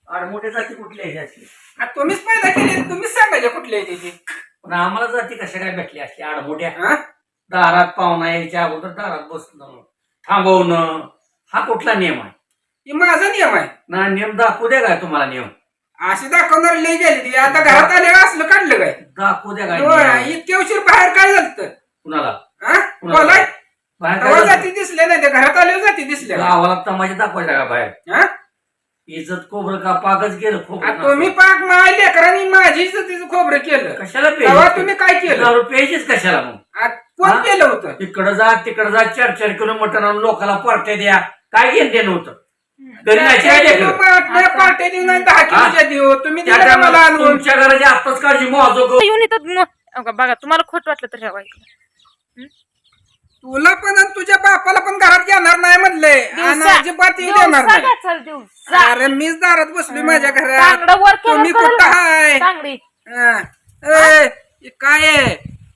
आडमोठे जाती कुठल्या आहे अशी? तुम्हीच पैदा केली, तुम्हीच सांगायचे कुठले आहे ते. पण आम्हाला जाती कशा काय भेटली असली आडमोठ्या? हा? दारात पाहुणा यायच्या अगोदर दारात बसणं, थांबवणं, हा कुठला नियम आहे? हे माझा नियम आहे. ना नियम दाखवू द्या काय तुम्हाला नियम? अशी दाखवणार लई गेली ती. आता घरात आले असलं काढलं काय? दाखवू द्या काय होय, नियम? इतके उशीर बाहेर काय झालं? कुणाला? बोलाय बाहेर तेव्हा काय जाती झालं? दिसले नाही ते घरात आले जाती दिसले. गावाला तमाशा दाखवायचा का बाहेर? हा? इज्जत खोबरं का पाकच गेलं आ, खोबरं? तुम्ही पाक माझ्या लेकरांनी माझी तिचं खोबरं केलं. कशाला तेव्हा तुम्ही काय केलं? दारू प्यायचीच कशाला मग? कोण हा? केलं होतं? इकडं जा तिकडं जा 4-4 किलो मटण आणून लोकांना पार्ट्या द्या, काय घेणं देणं होतं? घरी नाही काय लेकरं? पार्ट्या देऊ नाही 10 किलोच्या देऊ. तुम्ही त्या दिलं का मला टायमाला आणून? तुमच्या घराची आत्ताच काळजी माझं येऊन इथं बघा, तुम्हाला खोट वाटलं तर ठेवा इकडे. तुला पण आणि तुझ्या बापाला पण घरात घेणार नाही म्हणलंय आणि अजिबात येऊ देणार नाही. दिवसा अरे मीच दारात बसलोय माझ्या घरात. तांगडं वर केलं तुम्ही कळलं कुठं का? हाय? तांगडी हा. ए, हे काय आहे?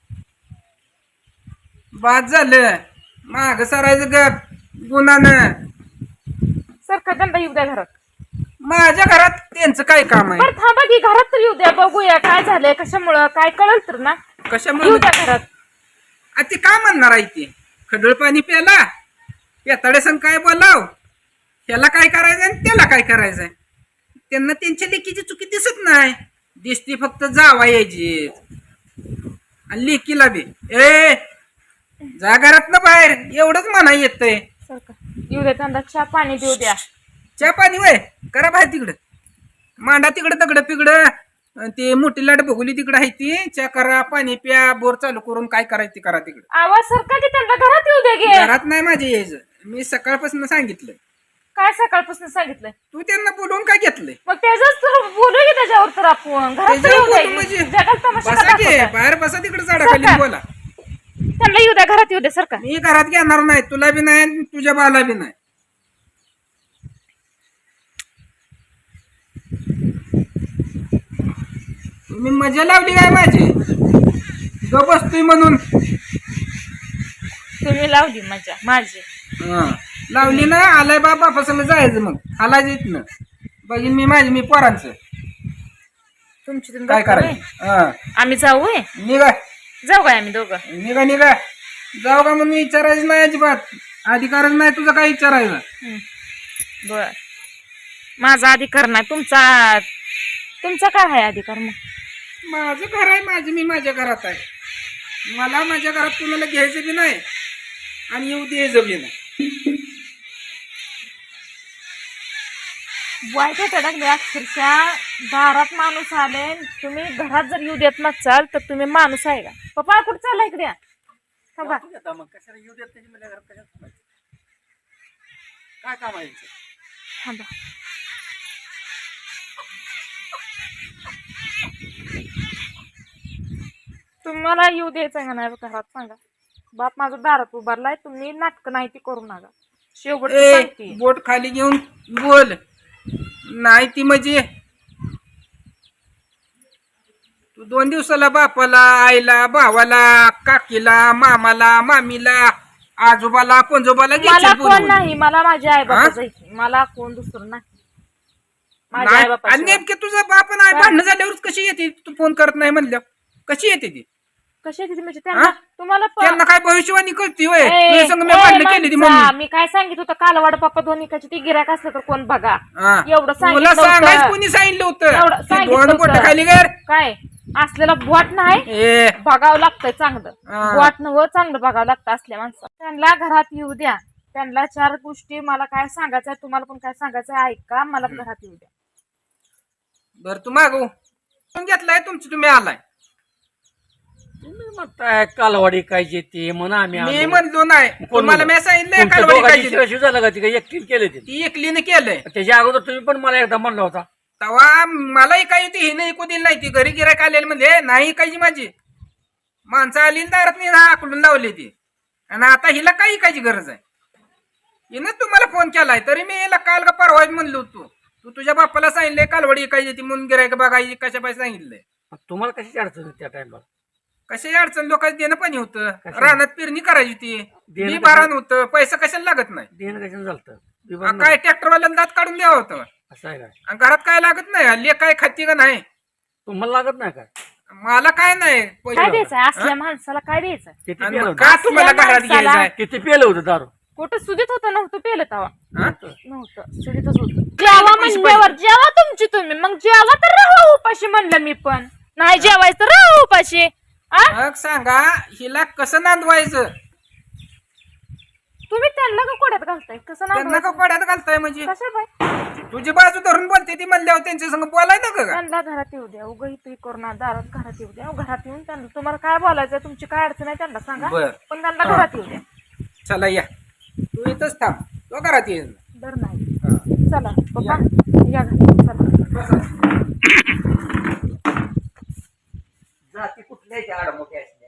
बाद झालं माग सरायचं गप गुन्हानं. सारखा दंड येऊ द्या घरात. माझ्या घरात त्यांचं काय काम आहे? बरं थांबा की, घरात तर येऊ द्या, बघूया काय झालंय, कशामुळं काय कळल तर ना. कशामुळे येऊ द्या घरात. ते काय म्हणणार आहे ते? खडळ पाणी प्याला पेताडे संग काय बोलाव, त्याला काय करायचंय आणि त्याला काय करायचंय? त्यांना त्यांच्या लेकीची चुकी दिसत नाही, दिसती फक्त जावा यायची. आणि लेकीला बी ए जा घरात ना बाहेर एवढंच म्हणा येतंय. सारखा येऊ द्या, त्यांना चहा पाणी देऊ द्या. चहा पाणी वय करा बाहेर तिकडं, मांडा तिकडं दगड पिगडं, ते मोठी लाट बघुली तिकडं आहे ती. चहा करा, पाणी प्या, बोर चालू करून काय करायचं ते करा तिकडं. आवाज सारखा की त्यांना घरात येऊ द्या गे. घरात नाही माझे यायचं, मी सकाळपासून सांगितलं. काय सकाळपासून सांगितलंय? तू त्यांना बोलवून काय घेतलंय? मग त्याच्याच तर बोलू की त्याच्यावर, तर आपण घरात तर येऊ त्याच्यावर बोलू म्हणजे द्या. जगात तमाशा बसा का की दाखवताय? बाहेर बसा तिकडे झाडाखाली सरका. बोला. त्यांना येऊ द्या, घरात येऊ द्या सारखा. मी घरात घेणार नाही, तुला बी नाही आणि तुझ्या बाला बी नाही. तुम्ही मजा लावली काय माझी गप बसतोय म्हणून? तुम्ही लावली मजा माझी. हा, लावली ना. आलाय बापा संग जायचं मग हालायचं इथनं. बघीन मी माझी मी पोरांचं तुमची तुम्ही काय बघता करायचं. होय? हा, आम्ही जाऊ होय? निघा जाऊ काय आम्ही दोघं? निघा निघा. जाऊ का म्हणून विचारायचं नाही अजिबात, अधिकारच नाही तुझा काय विचारायचं. बर, माझा अधिकार नाही, तुमचा तुमचा काय आहे अधिकार? मग माझं घर आहे, माझं मी माझ्या घरात आहे. मला माझ्या घरात कुणाला घ्यायचं बी नाही आणि येऊ द्यायचं बी नाही. वाईट अडकले अक्षरशः. दारात माणूस आले, तुम्ही घरात जर येऊ देत नसाल तर तुम्ही माणूस आहे का? पप्पा कुठं चालला? इकडे या. थांबा. मग कशाला येऊ देत त्याची मला घरात कशाला थांबायचं? काय काम आहे यांचं? थांबा. तुम्हाला येऊ द्यायचं का नाही घरात सांगा. बाप माझा दारात उभारलाय, तुम्ही नाटक नाही ती करू नका. शेवट सांगते. बोट खाली घेऊन बोल. नाही ती म्हणजे तू 2 दिवसाला बापाला, आईला, भावाला, काकीला, मामाला, मामीला, आजोबाला, पंजोबाला मला घेशील कोण बोलवून. नाही, मला माझ्या आई हा? बाबा मला कोण दुसरं नाही. माझ्या आई नाही, आणि बाबा नेमके तुझा बाप नाही भांडणं झाल्यावर कशी येते? तू फोन करत नाही म्हणलं कशी येते ती? कशी आहे ती म्हणजे त्यांना? हा? तुम्हाला त्यांना काय भविष्यवाणी कळती होय? ए, तुझ्या संग मी ए, भांडणं केली ती माणसा, मम्मी. मी काय सांगित होतं कालवाड पप्पा धोनिकाची ती गिराक असलं तर कोण बघा. हा. एवढं तुला सांगितलं सांगायचं होतं. कोणी सांगितलं एवढं होतं? सांगितलं दोन बोट होतं. खाली कर. काय असलेला बोट नाही, ए बघावं लागतंय चांगलं. हा. बोट नव चांगलं बघावं लागतं असल्या माणसं. त्यांना घरात येऊ द्या. त्यांना 4 गोष्टी मला काय सांगायचंय, तुम्हाला पण काय सांगायचंय ऐका. मला घरात येऊ द्या. बर तू मागू घेतलाय तुमची, तुम्ही आलाय. तुम्ही म्हणताय कालवाडी काय येते म्हणा आम्ही मी आलो. म्हणलो नाही, कोण तुम्हाला म्हणलं? मी सांगितलंय तुमच्या कालवडी दोघांची काय शिवाशिव झालं का? ती काही एकटीने केले ते? ती एकलीने केलंय. त्याच्या अगोदर तुम्ही पण मला एकदा म्हणला होता. तेव्हा मला काही ती हिने ऐकू दिली नाही. ती घरी गिरायक आलेली म्हणजे नाही ऐकायची माझी. माणसं आली न दारात मी आकलून लावली ती. आणि आता हिला काही ऐकायची गरज आहे? हिनं तुम्हाला फोन केलाय तरी मी हिला काल का परवा म्हणलो होतो. तू तुझ्या बापाला सांगितलंय कालवडी ऐकायची ती म्हणून गिरायक बघायची कशा पाहिजे सांगितलंय. तुम्हाला कशाची अडचण होती त्या टाइमला? कशाची अडचण? लोकांचं देणं पाणी होतं, कशाला? रानात पेरणी करायची ती, देणं बी बारान होतं, पैसा कशाला लागत नाही. देणं कशाने झालं? काय ट्रॅक्टरवाल्याला दात काढून द्यावं होतं? असं आहे काय? आणि घरात काय लागत नाही, लेक काय खाती का नाही? तुम्हाला लागत नाही काय? मला काय नाही काय द्यायचंय असल्या माणसाला? काय द्यायचं? किती आणि पेलं मग होतं? का तुम्हाला घरात घ्यायचंय? किती पेलं होतं दारू? कुठं सुधीत होतं? नव्हतं पेलं तवा. हा? नव्हतं सुधीतच होतं. जेवा म्हणल्यावर जेवा तुमची तुम्ही, मग जेवा तर राहा उपाशी म्हणलं मी पण. नाही जेवायचं तर राहा उपाशी. आ? मग सांगा हिला कसं नांदवायचं? तुम्ही त्यांना का कोड्यात घालताय? कसं त्यांना का नाव कोड्यात घालताय म्हणजे? कशा बाय? तुझी बाजू धरून बोलते ती म्हणल्यावर त्यांच्या संग बोलायचं का? त्यांना घरात येऊ द्या. उगा इथे करू दारात घरात येऊ द्या. घरात येऊन त्यांना तुम्हाला काय बोलायचं, तुमची काय अडचण आहे त्यांना सांगा. बरं. पण त्यांना घरात येऊ द्या. चला या, तू इथंच थांब, तो घरात येईल. दर नाही. हा. चला पप्पा या घरी. चला. जाती कुठल्या आहेत आडमोठ्या असल्या?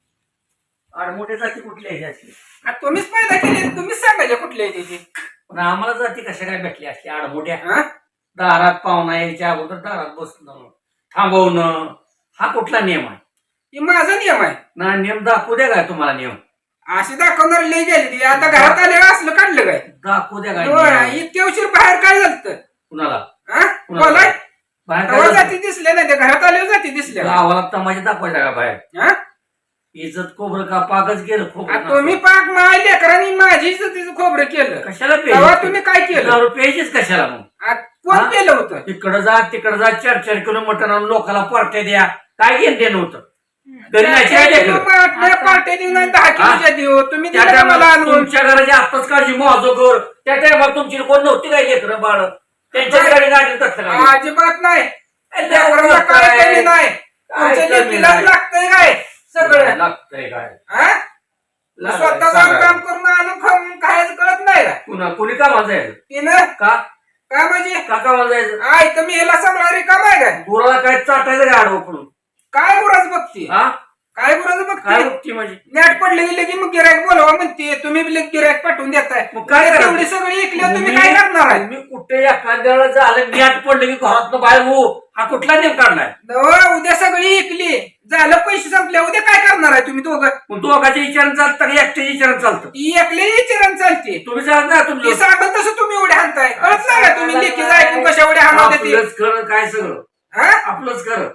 आडमोठ्या जाती कुठल्या आहेत असल्या? आ, तुम्हीच पैदा केली, तुम्हीच सांगायचे कुठले आहे त्याची. पण आम्हाला जाती कशा काय भेटल्या असल्या आडमोठ्या? हा? दारात पाहुणा यायच्या अगोदर दारात बसणं, थांबवणं, हा कुठला नियम आहे? ही माझा नियम आहे. ना नियम दाखवू द्या काय तुम्हाला नियम? अशी दाखवणार लई गेली ती. आता घरात आल्यावर असलं काढलं काय? दाखवू द्या काय होय, नियम? इतक्या उशीर बाहेर काय झालं? कुणाला? हा? कुणाला? बोलाय बाहेर तेव्हा काय जाती दिसल्या नाही, त्या घरात आल्यावर जाती दिसल्या. गावाला तमाशा दाखवायचा का बाहेर? हा? इज्जत खोबरं का पाकच गेलं आ, खोबरं? तुम्ही पाक माझ्या लेकरांनी माझी तिचं खोबरं केलं. कशाला तेव्हा तुम्ही काय केलं? दारू प्यायचीच कशाला मग? आ, कोण हा? केलं होतं? इकडं जा तिकडं जा 4-4 किलो मटण आणून लोकांना पार्ट्या द्या. काय घेणं नव्हतं घरी नाही काय लेकरं? पार्ट्या देऊ नाही 10 किलोच्या देऊ. तुम्ही त्या दिलं का मला टायमाला आणून? तुमच्या घराची आत्ताच काळजी माझो कर. त्या टायमाला तुमची कोण नव्हती काय लेकरं बाळ? त्यांच्या गाडी गाडी तसलं अजिबात नाही. लेकरांना काय कमी नाही. तुमच्या कमी लेकीला नाही. लागतंय काय सगळं? लागतंय काय? हा? स्वतः जाऊन काम करून आणून खाऊन खायचं कळत नाही का? पुन्हा कुणी कामाला जायचं? तिनं का काय म्हणजे का कामाला जायचं? आई तर मी ह्याला सांभाळा काम आहे काय? गुराला काय चाटायचं काय आडवं पडून? काय गुराच बघते? हा काय गुराच काय बघते? बघती म्हणजे? नेट पडले गेले की मग गिरायक बोलवा म्हणते. तुम्ही बी गिरायक पाठवून देताय. मग काय करायचं? तेवढी सगळी ऐकली तुम्ही काय करणार आहे? तुम्ही कुठे एखाद्याला झालं मॅट पडलं की घरातनं बाहेर हो, हा कुठला नियम काढलाय? नवं, उद्या सगळी ऐकली झालं, पैसे संपले, उद्या काय करणार आहे तुम्ही दोघं? मग दोघांच्या विचारानं चालतं का एकट्याच्या विचारानं चालतं? ती एकले चिरण चालते. तुम्ही सांगा ना ती तुमचं सांगत तसं तुम्ही उड्या हाणताय. कळत नाही का तुम्ही लेखी ऐकून कशा उड्या हाणत ते? आपलंच खरं काय सगळं हा? आपलंच खरं.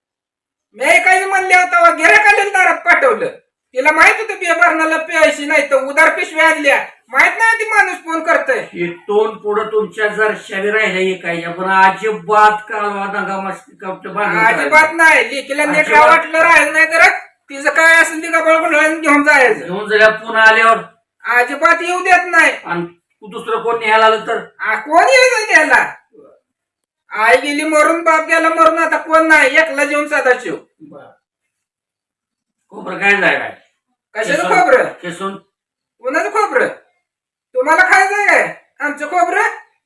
मी काही म्हणले होता गिरायक आलेलं दारात पाठवलं. तिला माहित होतं बिया भरणाला प्यायची नाही तर उदार पिशव्या आणल्या. माहित नाही ती माणूस फोन करतोय. इथून पुढे तुमच्या जर शरीर राहिल्या एकायच्या पण अजिबात कालवा दंगा मस्ती कपट अजिबात नाही. लेकीला नीट अजिबात. वाटलं राहिलं नाही तर तिचं काय असेल ती गबाळ घेऊन जायचं. घेऊन जरा पुन्हा आल्यावर अजिबात येऊ देत नाही. आणि तू दुसरं कोण न्यायला आलं तर कोण यायचं त्याला? आई गेली मरून, बाप गेला मरून, आता कोण नाही. एकला जेवून साधा शिव. खोबरं काय जाय काय कशाचं खोबरं? केसून कोणाचं खोबरं? तुम्हाला खायचंय काय आमचं खोबरं?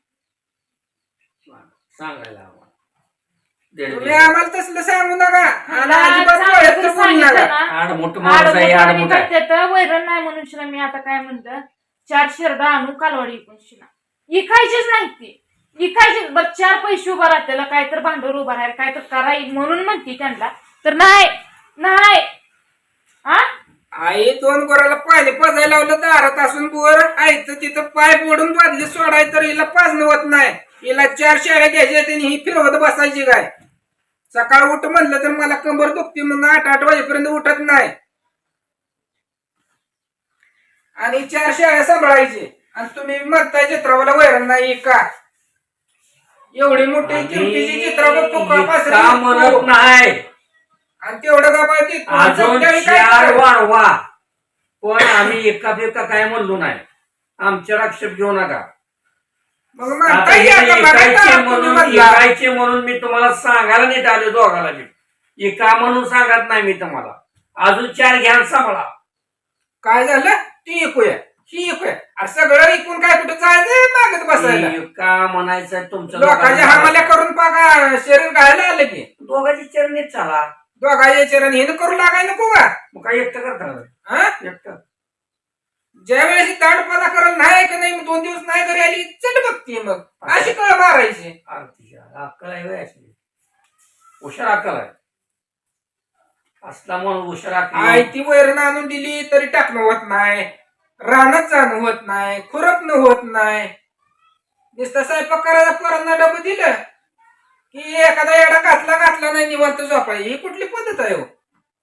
सांगायला आम्हाला. तुम्ही आम्हाला तसलं सांगू नका. आणि अजिबात डोळ्यात तर बोलू नका. आड मोठं माणूस आहे आड मोठा आहे. वैरण नाही म्हणून शिना मी आता काय म्हणलं, 4 शेरडा आणू कालवाडी इकून शिना. इकायचीच नाही ती. इकायचीच. बरं 4 पैसे उभा राहतेला, काय तर भांडवल उभा राहील, काय तर कराय म्हणून म्हणते त्यांना. तर नाही नाही. हा आई 2 गोराला पाणी पाजायला लावलं दारात असून बोर आईचं तिथं पाय मोडून बादली सोडाय तर हिला पाजणं होत नाही. हिला 4 शेळ्या घ्यायच्या आणि ही फिरवत बसायची काय? सकाळ उठ म्हणलं तर मला कंबर दुखते म्हणून 8 वाजेपर्यंत उठत नाही. आणि 4 शेळ्या सांभाळायचे आणि तुम्ही म्हणताय चित्रावाला वैरण नाही का? एवढी मोठी किमतीची चित्रा बघतो का म्हणत नाही आणि तेवढं का पाहिजे अजून 4 वाढवा. पण आम्ही एका काय म्हणलो नाही. आमच्यावर आक्षेप घेऊ नका. मग आता म्हणताय हे आता बघा एकायचे तुम्ही म्हणून म्हणला. एकायचे म्हणून मी तुम्हाला सांगायला नीट आलो दोघाला मी. एका म्हणून सांगत नाही मी तुम्हाला. अजून 4 घ्या आणि सांभाळा. काय झालं? ती ऐकूया, ही ऐकूया. अरे सगळं ऐकून काय कुठं जायचं मागत बसायला? का म्हणायचं तुमचं लोकांच्या हमाल्या करून पाका शरीर घायला आलं की दोघांची चरणीत चाला. दोघांच्या चरण हिनं करू लागाय नको का? मग काय एकटं करता हा? एकटं ज्या वेळेस ताडपणा करत नाही का नाही, 2 दिवस नाही घरी आली चट बघते मग अशी कळ मारायची. अक्कल आहे व्हय अशी. हुशार अक्कल आहे. असला म्हणून हुशार अक्कल. आई ती वैरण आणून दिली तरी टाकणं होत नाही, रानात जाणं होत नाही, खुरपणं होत नाही. नुसता स्वयंपाक करायला पोरांना डबं दिलं की एखादा एडा घातला नाही निवांत झोपाय. ही कुठली पद्धत आहे हो?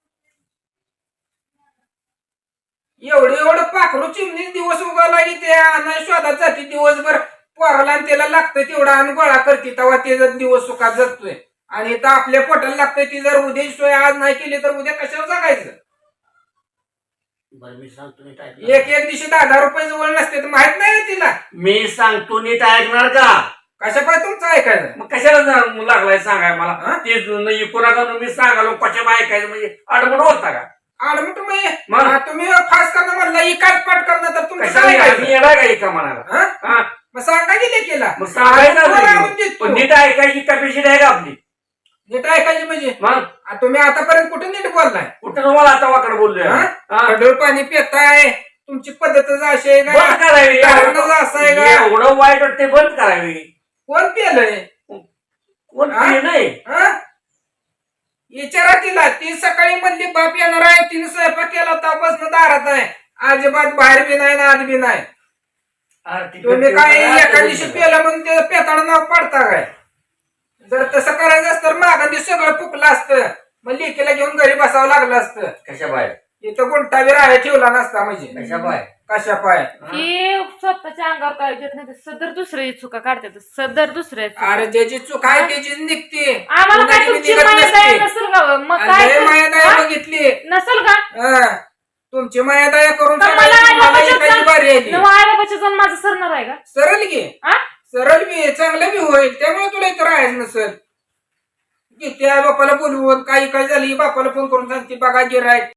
एवढं पाखरू चिमणी दिवस उगाला की ते नाही शोधात जाते दिवसभर पोराला आणि त्याला लागतंय तेवढा आणि गोळा करते तेव्हा ते जर दिवस सुखात जगतोय. आणि इथं आपल्या पोटाला लागतंय ती जर उद्या सोय आज नाही केली तर उद्या कशावर जगायचं? बरं मी सांगतो नीट ऐक. एक दिवशी 10,000 रुपये जवळ नसते तर माहित नाही ना तिला. मी सांगतो नीट ऐकणार का? कशा पाय तुमचं ऐकायचं? मग कशाला लागलाय सांगाय मला? हा? ते कोणाला मी सांगालो कशा ऐकायचं म्हणजे अडमण होता का? आडमट मग? तुम्ही फास करणं म्हणला इकाच पाठ करणं तर तुमचं कशाला काय मी ऐकायचं? येणार का एका म्हणाला? हा? हा? मग सांगा की केला मग सांगायचं तुम्हाला नाही. आणून देतो. पण नीट ऐकायची कॅपॅसिटी आहे का आपली? नीट ऐकायची म्हणजे मग तुम्ही आतापर्यंत कुठे नीट बोललाय? कुठं तुम्हाला आता वाकड बोललोय? हा? हा? खडूळ पाणी पिताय तुमची पद्धतच अशी आहे बंद का? करावी. कारणच असं आहे का? एवढं वाईट वाटते बंद करावी. कोण पेलंय? कोण हा? पिये नाही? हा? विचारा तिला. ती सकाळी म्हणली बाप येणार आहे तिने स्वयंपाक केला तपासनं दारात आहे. अजिबात बाहेर बी नाही ना आत बी नाही. तुम्ही काय एका दिवशी पेला म्हणून त्याचं पेताळ नाव पाडता काय? जर तसं करायचं असतं तर मागं सगळं फुकलं असतं. मग लेकीला घेऊन घरी बसावं लागलं असतं. कशा बाहेर? इथं गुंटावीर आहे ठेवला नसता म्हणजे. कशा बाहेर? कशा पाय? हे स्वतःच्या अंगावर काय देत नाही सदर दुसऱ्याची चुका काढतात सदर दुसऱ्याची. अरे ज्याची चूक आहे त्याचीच निघते. आम्हाला काय कुणाची बी तुमची निघत माया नसते. दया नसेल का? मग आणि काय लय तर- मायादया हा? बघितली. नसेल का? हा. तुमची मायादया करून तर मला सांगायची, मला आईबापाच्या एकाची बारी आली. आईबापाच्या जाऊन माझं सरणार आहे का? सरळ घे. हा? सरळ बी चांगलं बी होईल. त्यामुळे तुला इथं राहायचं नसेल. की त्या बापाला बोलवून काही काय झाली बापाला फोन करून सांगते बघा गिरायक